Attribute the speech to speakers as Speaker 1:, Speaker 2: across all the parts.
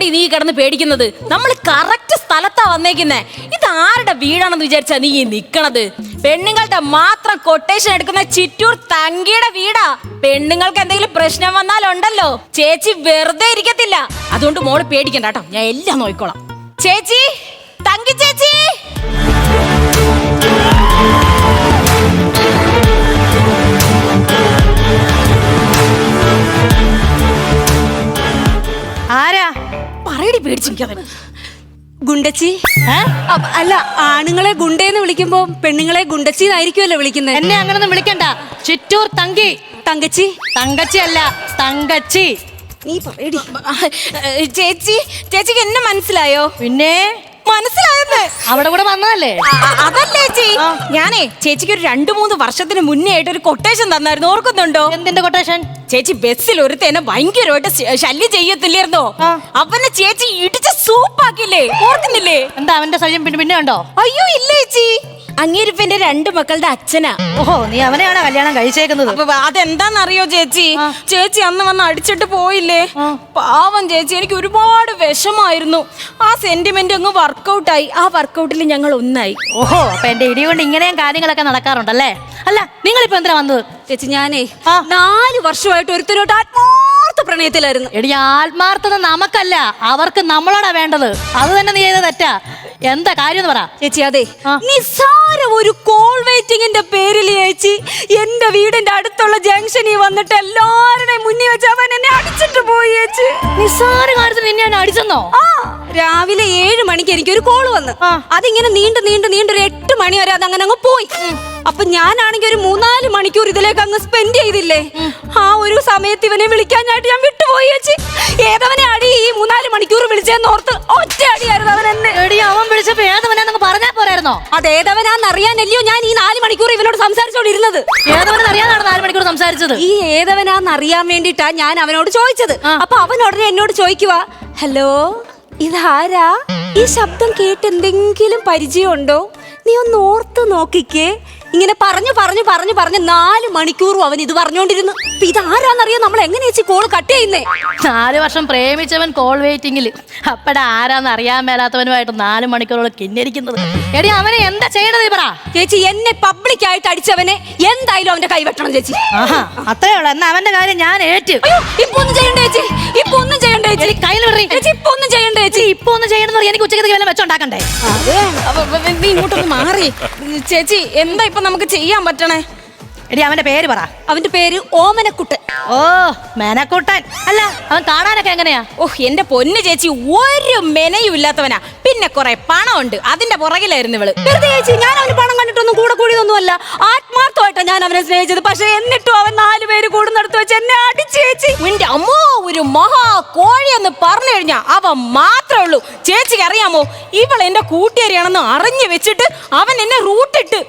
Speaker 1: നീ കിടന്ന് പേടിക്കുന്നത്? നമ്മൾ കറക്റ്റ് സ്ഥലത്താ വന്നേക്കുന്നേ. ഇത് ആരുടെ വീടാണെന്ന് വിചാരിച്ചാ നീ നിക്കണത്? പെണ്ണുങ്ങളുടെ മാത്രം കൊട്ടേഷൻ എടുക്കുന്ന ചിറ്റൂർ തങ്കിയുടെ വീടാ. പെണ്ണുങ്ങൾക്ക് എന്തെങ്കിലും പ്രശ്നം വന്നാലുണ്ടല്ലോ ചേച്ചി വെറുതെ ഇരിക്കത്തില്ല. അതുകൊണ്ട് മോള് പേടിക്കണ്ട കേട്ടോ, ഞാൻ എല്ലാം നോക്കിക്കോളാം. ചേച്ചി, തങ്കി ചേച്ചി.
Speaker 2: ആരാ?
Speaker 1: പറയടി, പേടിച്ചിരിക്കാതെ.
Speaker 3: ഗുണ്ടച്ചി. അല്ല, ആണുങ്ങളെ ഗുണ്ടേന്ന് വിളിക്കുമ്പോ പെണ്ണുങ്ങളെ ഗുണ്ടച്ചി എന്നായിരിക്കുമല്ലോ വിളിക്കുന്നത്.
Speaker 2: എന്നെ അങ്ങനൊന്നും വിളിക്കണ്ട. ചിറ്റൂർ തങ്കി.
Speaker 3: തങ്കച്ചി.
Speaker 2: തങ്കച്ചി അല്ല, തങ്കച്ചി.
Speaker 3: നീ പറയടി.
Speaker 1: ചേച്ചി, ചേച്ചിക്ക് എന്നെ മനസ്സിലായോ?
Speaker 2: പിന്നെ
Speaker 1: മനസ്സിലായെന്ന്.
Speaker 2: അവിടെ കൂടെ വന്നതല്ലേ?
Speaker 1: അതല്ലേ ചേച്ചി, ഞാനേ ചേച്ചിക്ക് ഒരു 2-3 വർഷത്തിന് മുന്നേ ആയിട്ട് ഒരു കൊട്ടേഷൻ തന്നായിരുന്നു, ഓർക്കുന്നുണ്ടോ?
Speaker 2: എന്തിന്റെ കൊട്ടേഷൻ?
Speaker 1: ചേച്ചി ബസ്സിൽ ഒരുത്തേനെ ഭയങ്കരമായിട്ട് ശല്യം ചെയ്യത്തില്ലായിരുന്നോ? അവനെ ചേച്ചി ഇടിച്ച് സൂപ്പാക്കില്ലേ, ഓർക്കുന്നില്ലേ?
Speaker 2: എന്താ അവന്റെ ശല്യം പിന്നെ ഉണ്ടോ?
Speaker 1: അയ്യോ ഇല്ല ചേച്ചി, അങ്ങേരിപ്പ എന്റെ 2 മക്കളുടെ അച്ഛനാ.
Speaker 2: ഓഹോ, നീ അവനെയാണോ കല്യാണം കഴിച്ചേക്കുന്നത്?
Speaker 1: അതെന്താന്നറിയോ ചേച്ചി? ചേച്ചി അന്ന് വന്ന് അടിച്ചിട്ട് പോയില്ലേ, പാവം ചേച്ചി. എനിക്ക് ഒരുപാട് വിഷമായിരുന്നു. ആ സെന്റിമെന്റ് അങ്ങ് വർക്കൗട്ടായി. ആ വർക്കൗട്ടിൽ ഞങ്ങൾ ഒന്നായി.
Speaker 2: ഓഹോ, അപ്പൊ എന്റെ ഇടി കൊണ്ട് ഇങ്ങനെയും കാര്യങ്ങളൊക്കെ നടക്കാറുണ്ടല്ലേ? അല്ല, നിങ്ങളിപ്പോ എന്തിനാ വന്നത്?
Speaker 3: ചേച്ചി, ഞാനേ 4 വർഷമായിട്ട് ഒരുത്തരോട്ട് ആത്മാർത്ഥ പ്രണയത്തിലായിരുന്നു.
Speaker 2: എടി, ആത്മാർത്ഥത നമുക്കല്ല, അവർക്ക് നമ്മളോടാ വേണ്ടത്. അത് തന്നെ നീ ചെയ്ത തെറ്റാ. എന്താ കാര്യം എന്ന് പറ
Speaker 3: ചേച്ചി. അതെ, നിസ്സാര ഒരു കോൾ വെയിറ്റിംഗിന്റെ പേരിൽ ചേച്ചി എന്റെ വീടിന്റെ അടുത്തുള്ള ജംഗ്ഷനിൽ വന്നിട്ട് എല്ലാവരുടെയും മുന്നിൽ വെച്ച് അവൻ എന്നെ അടിച്ചിട്ട് പോയി ചേച്ചി.
Speaker 2: നിസ്സാര കാര്യത്തിന് നിന്നെ ഞാൻ അടിച്ചെന്നോ?
Speaker 3: രാവിലെ 7 മണിക്ക് എനിക്കൊരു കോള് വന്നു. അതിങ്ങനെ നീണ്ടു ഒരു 8 മണി വരെ അത് അങ്ങനെ അങ്ങ് പോയി. അപ്പൊ ഞാനാണെങ്കിൽ ഒരു 3-4 മണിക്കൂർ ഇതിലേക്ക് അങ്ങ് സ്പെൻഡ് ചെയ്തില്ലേ. ആ ഒരു സമയത്ത് ഇവനെ വിളിക്കാനായിട്ട് ഞാൻ വിട്ടുപോയി ചേച്ചി. ഏതവനെ അടി ഈ 3-4 മണിക്കൂർ വിളിച്ചെന്നോർത്ത് ഒറ്റ അടിയായിരുന്നു അവൻ എന്നെ.
Speaker 2: അവൻ വിളിച്ചപ്പോ ഏതവനാന്നൊക്കെ പറഞ്ഞാ പോരായിരുന്നോ?
Speaker 3: അതേതവനാന്നറിയാനല്ലയോ ഞാൻ ഈ 4 മണിക്കൂർ ഇവനോട് സംസാരിച്ചോണ്ടിരുന്നത്.
Speaker 2: ഏതവനെന്നറിയാനാണ് 4 മണിക്കൂർ സംസാരിച്ചത്?
Speaker 3: ഈ ഏതവനാന്നറിയാൻ വേണ്ടിട്ടാ ഞാൻ അവനോട് ചോദിച്ചത്. അപ്പൊ അവൻ ഉടനെ എന്നോട് ചോദിക്കുക, ഹലോ, ഇതാരാ? ഈ ശബ്ദം കേട്ട് എന്തെങ്കിലും പരിചയമുണ്ടോ? നീ ഒന്ന് ഓർത്ത് നോക്കിക്കേ. ഇങ്ങനെ പറഞ്ഞു 4 മണിക്കൂറും അവൻ ഇത് പറഞ്ഞോണ്ടിരുന്നു. ഇതാരാന്നറിയാൻ നമ്മൾ എങ്ങനെ ചേച്ചി കോള് കട്ട് ചെയ്യുന്നേ?
Speaker 2: 4 വർഷം പ്രേമിച്ചവൻ കോൾ വെയിറ്റിംഗില്. അപ്പടെ ആരാന്ന് അറിയാൻ മേലാത്തവനുമായിട്ട് 4 മണിക്കൂറോളം കിന്നിരിക്കുന്നത്. എടി, അവനെ എന്താ ചെയ്യണത് പറ
Speaker 3: ചേച്ചി. എന്നെ പബ്ലിക്കായിട്ട് അടിച്ചവനെ എന്തായാലും അവന്റെ കൈവെട്ടണം ചേച്ചി.
Speaker 2: അത്രേ ഉള്ളൂ. എന്നാ അവന്റെ കാര്യം ഞാൻ ഏറ്റു.
Speaker 3: ഇപ്പൊ ഒന്നും ചെയ്യണ്ട ചേച്ചി, ഇപ്പൊ ഒന്നും ചെയ്യണ്ട ചേച്ചി.
Speaker 2: കയ്യിൽ
Speaker 3: ചേച്ചി ഇപ്പൊ ഒന്നും ചെയ്യണ്ട ചേച്ചി.
Speaker 2: ഇപ്പൊ ഒന്നും ചെയ്യണമെന്ന് പറയാൻ എനിക്ക് ഉച്ചയ്ക്ക് വല്ല വെച്ചോണ്ടാക്കണ്ടേ?
Speaker 1: നീ ഇങ്ങോട്ടൊന്ന് മാറി ചേച്ചി. എന്താ ഇപ്പൊ നമുക്ക് ചെയ്യാൻ പറ്റണേ?
Speaker 2: എടി, അവന്റെ പേര് പറ.
Speaker 3: അവന്റെ പേര് ഓമനക്കുട്ടൻ.
Speaker 2: ഓ, മേനക്കുട്ടൻ. അല്ല, അവൻ കാണാനൊക്കെ എങ്ങനെയാ?
Speaker 1: എന്റെ പൊന്ന് ചേച്ചി, ഒരു മെനയും ഇല്ലാത്തവനാ. പിന്നെ കുറെ പണമുണ്ട്, അതിന്റെ പുറകിലായിരുന്നു ഇവള്.
Speaker 3: വെറുതെ ചേച്ചി, ഞാൻ അവന് പണം കണ്ടിട്ടൊന്നും കൂടെ കൂടിയൊന്നുമല്ല. ആത്മാർത്ഥമായിട്ടാ ഞാൻ അവനെ സ്നേഹിച്ചത്. പക്ഷെ എന്നിട്ടും അവൻ 4 പേര് കൂടുന്നിടത്ത് വെച്ച് എന്നെ അടിച്ചു ചേച്ചി.
Speaker 1: നിന്റെ അമ്മോ, ഒരു മഹാ കോഴി എന്ന് പറഞ്ഞു കഴിഞ്ഞാ അവൻ മാത്രമേ ഉള്ളൂ. ചേച്ചിക്ക് അറിയാമോ, ഇവൾ എന്റെ കൂട്ടുകാരിയാണെന്ന് അറിഞ്ഞു വെച്ചിട്ട് അവൻ എന്നെ റൂട്ടിട്ട്.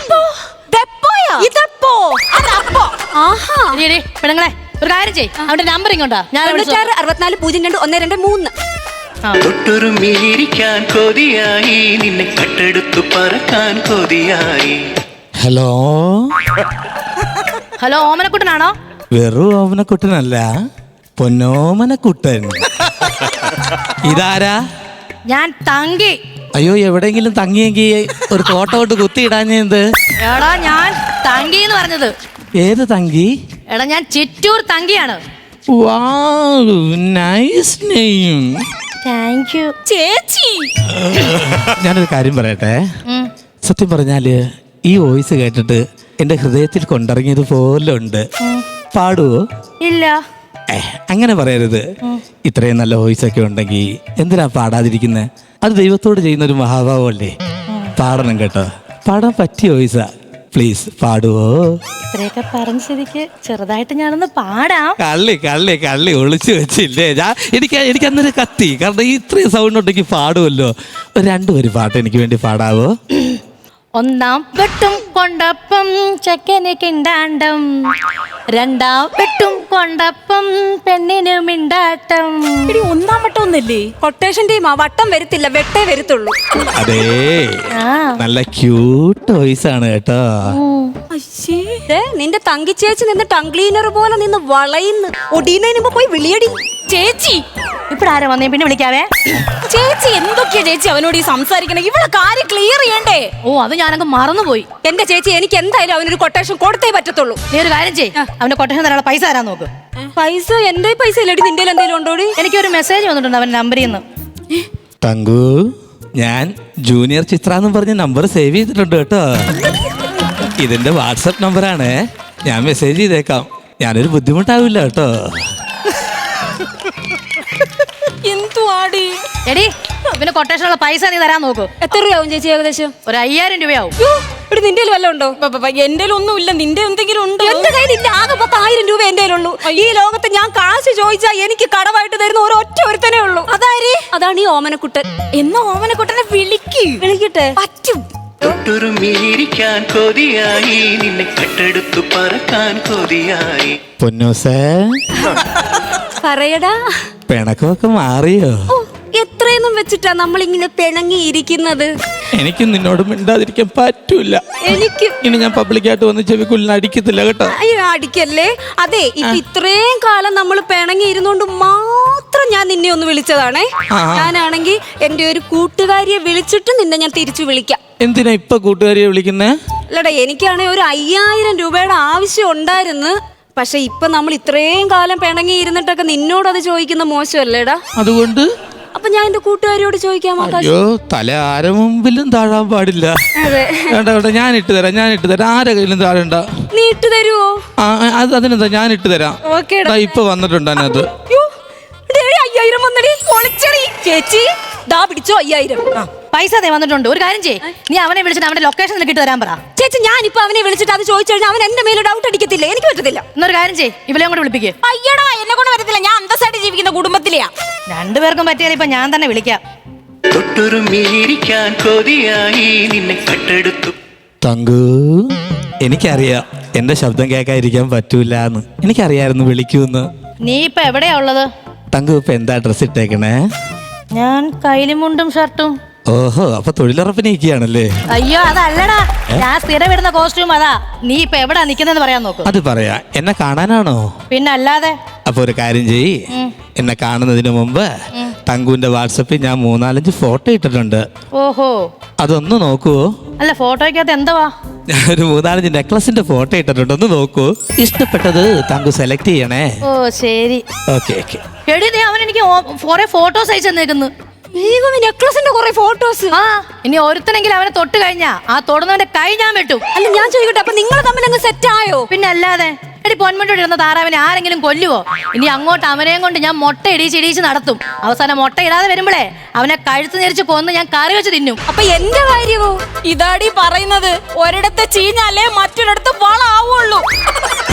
Speaker 2: പെണ്ണുങ്ങളെ, ഒരു കാര്യം ചെയ്യ്, അവന്റെ നമ്പർ ഇങ്ങോട്ടാ. ഞാൻ
Speaker 3: 640212
Speaker 4: തൊട്ടുറുമ്മിലിരിക്കാൻ കൊതിയായി, നിന്നെ കട്ടെടുത്തു പറക്കാൻ കൊതിയായി.
Speaker 5: ഹലോ
Speaker 2: ഹലോ, ഓമനക്കുട്ടനാണോ?
Speaker 5: വെറും ഓമനക്കുട്ടനല്ല, പൊന്നോമനക്കുട്ടൻ. ഇതാരാ?
Speaker 2: ഞാൻ തങ്കി.
Speaker 5: അയ്യോ, എവിടെയെങ്കിലും തങ്ങിയെങ്കിൽ ഒരു തോട്ടം കൊണ്ട് കുത്തിയിടാഞ്ഞെന്ത്?
Speaker 2: എടാ, ഞാൻ തങ്കി എന്ന് പറഞ്ഞത്.
Speaker 5: ഏത് തങ്കി?
Speaker 2: എടാ, ഞാൻ ചിറ്റൂർ തങ്കിയാണ്.
Speaker 5: Wow, nice name.
Speaker 2: Thank you
Speaker 1: ചേച്ചി.
Speaker 5: ഞാനൊരു കാര്യം പറയട്ടെ. സത്യം പറഞ്ഞാല് ഈ വോയിസ് കേട്ടിട്ട് എന്റെ ഹൃദയത്തിൽ കൊണ്ടിറങ്ങിയത് പോലെ ഉണ്ട്. പാടുവോ?
Speaker 2: ഇല്ല.
Speaker 5: അങ്ങനെ പറയരുത്. ഇത്രയും നല്ല വോയിസ് ഒക്കെ ഉണ്ടെങ്കിൽ എന്തിനാ പാടാതിരിക്കുന്നത്? അത് ദൈവത്തോട് ചെയ്യുന്ന ഒരു മഹാഭാവമല്ലേ. പാടണം കേട്ടോ. പാടാൻ പറ്റിയ വോയിസാ. പ്ലീസ് പാടുവോ?
Speaker 2: ഇത്രയൊക്കെ പറഞ്ഞ സ്ഥിതിക്ക് ചെറുതായിട്ട് ഞാനൊന്ന് പാടാം.
Speaker 5: കള്ളി ഒളിച്ചു വെച്ചില്ലേ? എനിക്ക് അന്നൊരു കത്തി. കാരണം ഇത്രയും സൗണ്ട് ഉണ്ടെങ്കിൽ പാടുമല്ലോ. 2 വരി പാട്ട് എനിക്ക് വേണ്ടി പാടാവോ?
Speaker 2: ഒന്നാം വെട്ടും കൊണ്ടപ്പം ചെക്കന് കിണ്ടാണ്ടം, 2ാം വെട്ടും കൊണ്ടപ്പം പെണ്ണിന് മിണ്ടാട്ടം.
Speaker 1: ഒന്നാം വട്ടം ഒന്നല്ലേ?
Speaker 3: കൊട്ടേഷൻ ടീം വട്ടം വരത്തില്ല, വെട്ടേ വരത്തുള്ളൂ.
Speaker 5: അതേ, നല്ല ക്യൂട്ട് വോയിസ് ആണ് കേട്ടോ.
Speaker 3: നിന്റെ തങ്കി ചേച്ചി നിന്ന് ടങ് ക്ലീനർ പോലെ നിന്ന് വളയുന്നു. ഒടിയുന്നതിന് മുമ്പ് പോയി വിളിയടി.
Speaker 1: ചേച്ചി
Speaker 2: ഇപ്പഴാരാ വന്നേ? പിന്നെ വിളിക്കാവേ.
Speaker 1: ചേച്ചി എന്തൊക്കെയാ ചേച്ചി അവനോട് ഈ സംസാരിക്കണേ? ഇവിടെ കാര്യം ക്ലിയർ ചെയ്യണ്ടേ?
Speaker 2: ഓ, അത് ഞാനങ്ങ് മറന്നുപോയി.
Speaker 3: എന്റെ ചേച്ചി, എനിക്ക് എന്തായാലും അവനൊരു കൊട്ടേഷൻ കൊടുത്തേ പറ്റത്തുള്ളൂ.
Speaker 2: നീ ഒരു കാര്യം ചെയ്യ്, അവന്റെ കൊട്ടേഷൻ തരാനുള്ള പൈസ തരാൻ നോക്ക്.
Speaker 3: പൈസ? എന്റെ പൈസ ഇല്ലടി, നിന്റെ എന്തെങ്കിലും ഉണ്ടോടി?
Speaker 2: എനിക്കൊരു മെസ്സേജ് വന്നിട്ടുണ്ട് അവന്റെ നമ്പറിൽ നിന്ന്.
Speaker 5: തങ്കു, ഞാൻ ജൂനിയർ ചിത്ര എന്നും പറഞ്ഞ് നമ്പർ സേവ് ചെയ്തിട്ടുണ്ട് കേട്ടോ. ഇതിന്റെ വാട്സപ്പ് നമ്പറാണ്. ഞാൻ മെസ്സേജ് ചെയ്തേക്കാം. ഞാനൊരു ബുദ്ധിമുട്ടാവില്ല കേട്ടോ.
Speaker 1: എന്തുവാടി?
Speaker 2: എടി, പിന്നെ കൊട്ടേഷനുള്ള പൈസ നീ തരാൻ നോക്ക്.
Speaker 3: എത്ര രൂപയാവും ചേച്ചി ഏകദേശം?
Speaker 2: ഒരു 5000 രൂപയാവും.
Speaker 3: ഇവിടെ നിന്റെ വല്ലതും ഉണ്ടോ?
Speaker 1: എന്റെ ഒന്നും ഇല്ല. നിന്റെ എന്തെങ്കിലും ഉണ്ടോ?
Speaker 3: എന്റെ കയ്യിൽ ഇല്ല. ആകെ 10,000 രൂപ എന്റെ കയ്യിലുള്ളൂ. ഈ ലോകത്ത് ഞാൻ കാശ് ചോദിച്ചാൽ എനിക്ക് കടമായിട്ട് തരുന്ന ഒരൊറ്റ ഒരുത്തനേ ഉള്ളൂ.
Speaker 1: അതാര്?
Speaker 3: അതാണ് ഈ ഓമനക്കുട്ടൻ.
Speaker 1: എന്നാ ഓമനക്കുട്ടനെ
Speaker 3: വിളിക്കട്ടെ?
Speaker 1: പറ്റും.
Speaker 4: തൊട്ടുരുമ്മിയിരിക്കാൻ കൊതിയായി നിന്നെ കട്ടെടുത്തു പറക്കാൻ കൊതിയായി.
Speaker 5: പൊന്നൂസേ,
Speaker 3: പറയടാ.
Speaker 5: പിണക്കമൊക്കെ മാറിയോ?
Speaker 3: ഓ, എത്രയൊന്നും വെച്ചിട്ടാ നമ്മളിങ്ങനെ പിണങ്ങിയിരിക്കുന്നത്?
Speaker 5: എനിക്കും നിന്നോട് മിണ്ടാതിരിക്കാൻ പറ്റൂല.
Speaker 3: എനിക്ക്
Speaker 5: ഇനി ഞാൻ പബ്ലിക്കായിട്ട് വന്ന് ചെവിക്കുള്ളിൽ അടിക്കത്തില്ല കേട്ടോ.
Speaker 3: അയ്യോ, അടിക്കല്ലേ. അതെ, ഇപ്പൊ ഇത്രയും കാലം നമ്മൾ പിണങ്ങി ഇരുന്നോണ്ട് മാത്രം ഞാൻ നിന്നെ ഒന്ന് വിളിച്ചതാണേ. ഞാനാണെങ്കിൽ എന്റെ ഒരു കൂട്ടുകാരിയെ വിളിച്ചിട്ട് നിന്നെ ഞാൻ തിരിച്ചു വിളിക്കാം.
Speaker 5: എന്തിനാ ഇപ്പൊ കൂട്ടുകാരിയെ വിളിക്കുന്നേ?
Speaker 3: അല്ലടാ, എനിക്കാണെങ്കിൽ ഒരു 5000 രൂപയുടെ ആവശ്യം ഉണ്ടായിരുന്നു. പക്ഷെ ഇപ്പൊ നമ്മൾ ഇത്രയും കാലം പിണങ്ങി ഇരുന്നിട്ടൊക്കെ നിന്നോട് അത് ചോദിക്കുന്ന മോശമല്ലേടാ?
Speaker 5: അതുകൊണ്ട്
Speaker 3: അപ്പൊ ഞാൻ എന്റെ കൂട്ടുകാരിയോട് ചോദിക്കാമോ?
Speaker 5: അയ്യോ, തല ആരെ മുമ്പിലും താഴാൻ പാടില്ല.
Speaker 3: അതെ,
Speaker 5: വേണ്ട വേണ്ട, ഞാൻ ഇട്ട് തരാം. ആരെ കയ്യിലും താഴണ്ട.
Speaker 3: നീ ഇട്ട് തരുവോ?
Speaker 5: അതിനെന്താ, ഞാൻ ഇട്ട് തരാം.
Speaker 3: ഓക്കേടാ.
Speaker 5: ഇപ്പൊ വന്നിട്ടുണ്ട് അതിനകത്ത്.
Speaker 3: 5000 വന്നടി. പൊളിച്ചടി ചേച്ചി. ദാ പിടിച്ചോ 5000.
Speaker 2: പൈസ ദേ വന്നിട്ടുണ്ട്. ഒരു കാര്യം ചെയ്യ്, നീ അവനെ വിളിച്ചിട്ട് അവന്റെ ലൊക്കേഷൻ നിനക്ക് ഇട്ട് തരാൻ പറ.
Speaker 3: ചേച്ചി, ഞാനിപ്പോ അവനെ വിളിച്ചിട്ട് അത് ചോദിച്ചു കഴിഞ്ഞാൽ അവൻ എന്റെ മേലെ ഡൗട്ട് അടിക്കത്തില്ല. എനിക്ക് പറ്റത്തില്ല.
Speaker 2: എന്നൊരു കാര്യം ചെയ്യ്, ഇവളെയും കൂടെ വിളിപ്പിക്കേ.
Speaker 1: അയ്യടാ, എന്നെ കൊണ്ട് വരത്തില്ല. ഞാൻ അന്തസ്സായിട്ട് ജീവിക്കുന്ന കുടുംബത്തിലെയാ.
Speaker 2: രണ്ടുപേർക്കും പറ്റിയാൽ ഇപ്പൊ ഞാൻ തന്നെ വിളിക്കാം.
Speaker 4: തൊട്ടുരുമ്മിയിരിക്കാൻ കൊതിയായി നിന്നെ കട്ടെടുത്തു.
Speaker 5: തങ്കു, എനിക്കറിയാം എന്റെ ശബ്ദം കേൾക്കാതിരിക്കാൻ പറ്റൂല എന്ന്. എനിക്കറിയായിരുന്നു വിളിക്കൂന്ന്.
Speaker 2: നീ ഇപ്പൊ എവിടെയാ ഉള്ളത്?
Speaker 5: തങ്കു ഇപ്പൊ എന്താ ഡ്രസ് ഇട്ടേക്കണേ?
Speaker 2: ഞാൻ കൈലി മുണ്ടും ഷർട്ടും.
Speaker 5: ഓഹോ, അപ്പൊ തൊഴിലുറപ്പിന് നിൽക്കുകയാണല്ലേ?
Speaker 2: അയ്യോ, അതല്ലടാ, ഞാൻ സ്ഥിരം ഇടുന്ന കോസ്റ്റ്യൂം അതാ. നീ ഇപ്പൊ എവിടാ നിക്കുന്നെന്ന് പറയാൻ നോക്ക്.
Speaker 5: അത് പറയാ. എന്നെ കാണാനാണോ?
Speaker 2: പിന്നെ അല്ലാതെ.
Speaker 5: അപ്പൊ ഒരു കാര്യം ചെയ്യ്, എന്നെ കാണുന്നതിന് മുമ്പ് തങ്കുവിന്റെ വാട്സപ്പിൽ ഞാൻ 3-4 ഫോട്ടോ ഇട്ടിട്ടുണ്ട്.
Speaker 2: ഓഹോ,
Speaker 5: അതൊന്ന് നോക്കുവോ?
Speaker 2: അല്ല, ഫോട്ടോയ്ക്കകത്ത് എന്തുവാ?
Speaker 5: ഞാനൊരു 3-5 നെക്ലസിന്റെ ഫോട്ടോ ഇട്ടിട്ടുണ്ട്. ഒന്ന് നോക്കൂ. ഇഷ്ടപ്പെട്ടത് തങ്കു സെലക്ട് ചെയ്യണേ.
Speaker 2: ഓ ശരി.
Speaker 5: Okay okay.
Speaker 2: എടി, നീ അവൻ എനിക്ക് കുറെ ഫോട്ടോസ് അയച്ചു തന്നേക്കുന്നു.
Speaker 3: നെക്ലസിന്റെ കുറെ ഫോട്ടോസ്.
Speaker 2: ആ, ഇനി ഒരുത്തനെങ്കിലും അവനെ തൊട്ട് കഴിഞ്ഞാ ആ തൊടുന്നവന്റെ കൈ ഞാൻ വെട്ടും.
Speaker 3: അല്ല, ഞാൻ ചോദിക്കട്ടെ, അപ്പൊ നിങ്ങൾ തമ്മിൽ അങ്ങ് സെറ്റ് ആയോ?
Speaker 2: പിന്നെ അല്ലാതെ. എടി, പൊന്മുട്ടോട് ഇരുന്ന താറാവിനെ ആരെങ്കിലും കൊല്ലുവോ? ഇനി അങ്ങോട്ട് അവനെയും കൊണ്ട് ഞാൻ മുട്ട ഇടിച്ച് നടത്തും. അവസാനം മുട്ട ഇടാതെ വരുമ്പോഴേ അവനെ കഴുത്ത് ഞെരിച്ച് കൊന്ന് ഞാൻ കറി വെച്ച് തിന്നും.
Speaker 3: അപ്പൊ എന്റെ കാര്യമോ?
Speaker 1: ഇതാടി പറയുന്നത്. ഒരിടത്ത് ചീഞ്ഞാലേ മറ്റൊരിടത്ത് വളാവുള്ളൂ.